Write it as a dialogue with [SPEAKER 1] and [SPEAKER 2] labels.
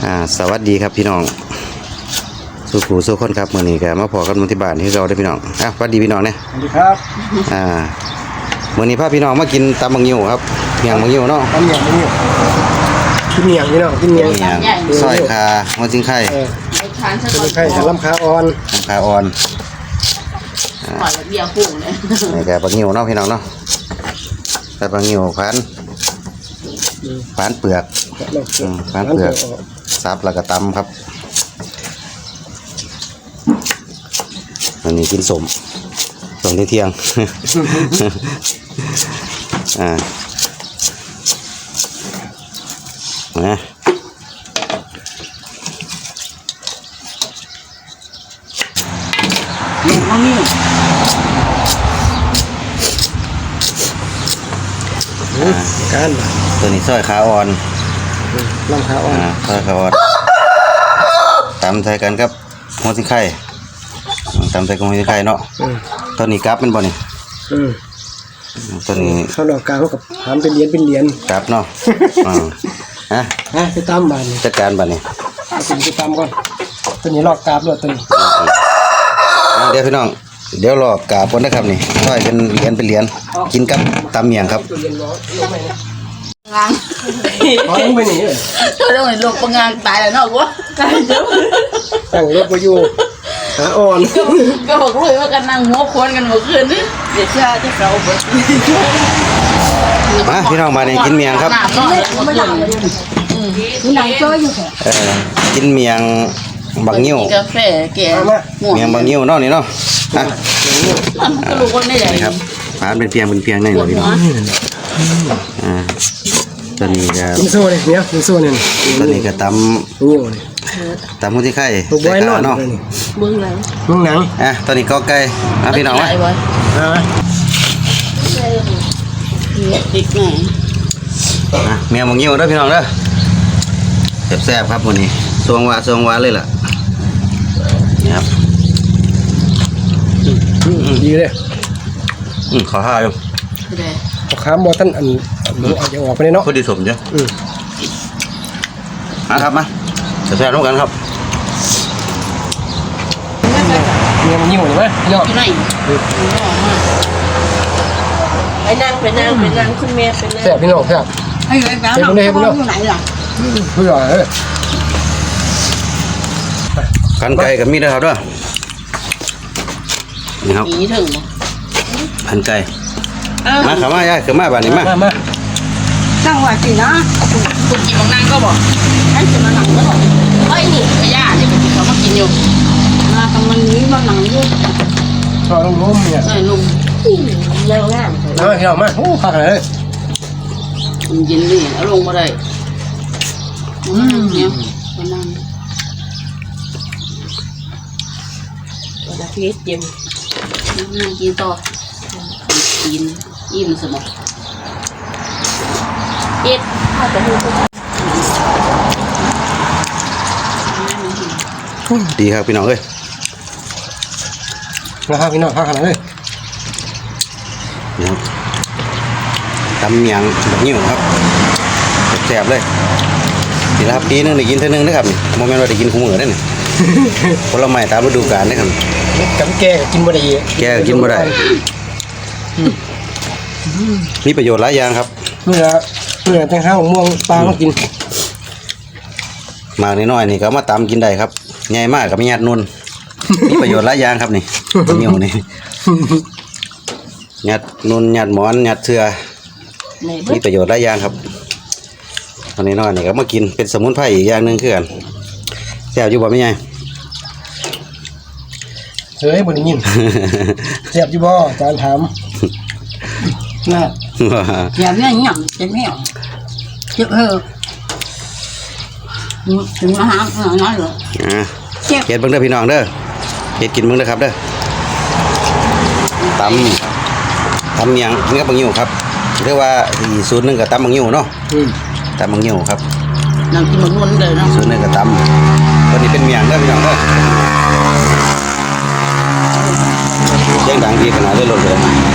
[SPEAKER 1] สวัสดีครับพี่น้องสู้ผู้สู้คนครับมื่อนี้ก็มาพอกันที่บ้านที่เราได้พี่น้องสวัสดีพี่น้องเนี่ย
[SPEAKER 2] สวัสดีครับ
[SPEAKER 1] มื่อนี้พาพี่น้องมากินตำบังยิ้วครับเมียงบังยิ้วเนาะ
[SPEAKER 2] ตำเมียงกินเมียงพี่น้องกินเมียง
[SPEAKER 1] ซอยคาหัวจิงไข่
[SPEAKER 2] ไข่ลำขาอ่อน
[SPEAKER 3] ปล่อยเบียร์พุ่งเลย
[SPEAKER 1] นี่แกบังยิ้วเนาะพี่น้องเนาะแต่บังยิ้วผ่านเปลือกผ่านเปลือกซับแล้วก็ตำครับวันนี้กินสมเที่ยงนะ
[SPEAKER 2] การ
[SPEAKER 1] ตัวนี้ซอยขาอ่อน
[SPEAKER 2] ลำขาอ่อน
[SPEAKER 1] ซอยขาอ่อนตำใส่กันครับหัวสิงไข่ตำใส่กับหัวสิงไข่เนาะตัวนี้กราฟเป็นบ่นี่ตัวนี้
[SPEAKER 2] ข้าวดอกกลางเขากับทำเป็นเหรียญ
[SPEAKER 1] กราฟเนาะ
[SPEAKER 2] ไปตามบ้าน
[SPEAKER 1] จัดการบ้านนี่
[SPEAKER 2] ไปตามก่อนตัวนี้ลอกกราฟด้วยตัวนี้
[SPEAKER 1] เดี๋ยวพี่น้องเดี๋ยวรอกราบก่อนนะครับนี่ซอยเป็นเหรียญกินกับตำเมียงครับ
[SPEAKER 3] งาง
[SPEAKER 2] ลงไปนี่
[SPEAKER 3] เรื่องลงประงานตายแล้วเนาะวะตายเยอะ
[SPEAKER 2] ตั้งรถไปอยู่ขาอ่อน
[SPEAKER 3] ก็บอกเลยว่ากันนั่งหัวควนกันเมื่อคืนนี่เดี๋ยวเชื่อที่เขาเบิด
[SPEAKER 1] พี่น้องมาเนี่ยกินเมียงครับ
[SPEAKER 3] ไม่หลังมีหนังเจ้อยู่
[SPEAKER 1] กินเมียงบังยิ้ว
[SPEAKER 3] กาแฟแก่
[SPEAKER 1] เมียงบังยิ้วเนาะนี่เนาะ
[SPEAKER 3] ก็รู้ว่าไม่ใหญ่
[SPEAKER 1] ครับผ่านเป็นเพียงนี่หรอพี่น้องตอนนี้ก็
[SPEAKER 2] กินโซ่เลยเนี่ยกินโซ่เนี่ย
[SPEAKER 1] ตอนนี้ก็ตำ
[SPEAKER 2] นิ้วเลย
[SPEAKER 1] ตำหัวที่ไข่
[SPEAKER 2] ใส่ขาเนาะ
[SPEAKER 3] เบื้องหลัง
[SPEAKER 2] หนัง
[SPEAKER 1] ตอนนี้ก็ไก่พี่น้อง
[SPEAKER 3] ไว้ติดไง
[SPEAKER 1] เมียงบังยิ้วเด้อพี่น้องเด้อแซ่บครับวันนี้สวงวาเลยล่ะนี่ครับ
[SPEAKER 2] ดีเลย
[SPEAKER 1] ขอห้าอยู่
[SPEAKER 2] ข้ามบอท่านอันหนูอาจจะออกไปเลยเนาะ
[SPEAKER 1] พอดีสมจ้ะครับมาแซ่บร่วมกันครับ
[SPEAKER 2] เมียมันยิ่งกว่านี้ไหม
[SPEAKER 3] ยอดไหนไปนั่งคุณเมียไปนั่ง
[SPEAKER 2] แซ่บพี่น้องแซ่บ
[SPEAKER 3] ไอ้แป๊บน้องอยู่ไหนล่ะ
[SPEAKER 2] ผู้ใหญ่
[SPEAKER 1] กันไก่กับมีดนะครับด้วยนี่ครับกันไก่มาขามาย่าขามาบ้านนี้มา
[SPEAKER 3] ตั้งไว้สินะคุณกินบางนั่งก็บอกให้จะมาหนังก็บอกไอ้นี่กระย่าที่ผมเขามากินอยู่มาทำมันนี้มาหนังอยู่
[SPEAKER 2] ชอบลุงเนี่ย
[SPEAKER 3] ลุงเร็วง่าย
[SPEAKER 2] มาพี่น้องมาโอ้ขาดเลย
[SPEAKER 3] มันยินดีเอาลงมาได้เนี่ยมานั่งจะพีชเย็นนั่งกินต่อกินอิ่มสมองเอ็ดข้าวจะดู
[SPEAKER 1] ดีครับพี่น้องเอ้ย
[SPEAKER 2] นะครับพี่น้องข้าวขนาดเลย
[SPEAKER 1] นี่ครับตำเมียงแบบนี้ครับแซ่บเลยนี่ครับปีนึงได้กินเท่านึงนะครับโมเมนต์เราได้กินคู่มือได้เนี่ยผลไม้ตามฤดูกาลนะครับ
[SPEAKER 2] กับแกกินบ่ได้
[SPEAKER 1] แกกินบ่ได้มีประโยชน์หลายอย่างครับ
[SPEAKER 2] เมื่อแตงข้าวม่วงปลาก็กิน
[SPEAKER 1] มากน้อยนี่ก็มาตำกินได้ครับใหญ่มากกับมีหยาดนุ่นมีประโยชน์หลายอย่างครับนี่นิ้วนี่หยาดนุ่นหยาดหมอนหยาดเสือมีประโยชน์หลายอย่างครับตอนนี้น้อยนี่ก็มากินเป็นสมุนไพรอีกอย่างหนึ่งคือกันแซ่บอยู่บ่ไม่ใหญ่
[SPEAKER 2] เฮ้ยบ่ได้ยินแซ่บอยู่บ่จานถามน่ะ
[SPEAKER 3] อย่าเนี่ยหยั่งจะไม่เอาเจ็บถึงมาหาน้อยเหรอ
[SPEAKER 1] เฮ็ดเบิ่งเด้อพี่น้องเด้อเฮ็ดกินเบิ่งเด้อครับเด้อตำเมียงนี่ก็บังยิ้วครับเรียกว่าอีกสูตรนึงก็ตำบังยิ้วเนาะตำบังยิ้วครับ
[SPEAKER 3] นั่งกินบังวนเลยเนาะ
[SPEAKER 1] สูตรนึงก็ตำตัวนี้เป็นเมียงเด้อพี่น้องเด้อเสียงดังดีขนาดได้ลดเลย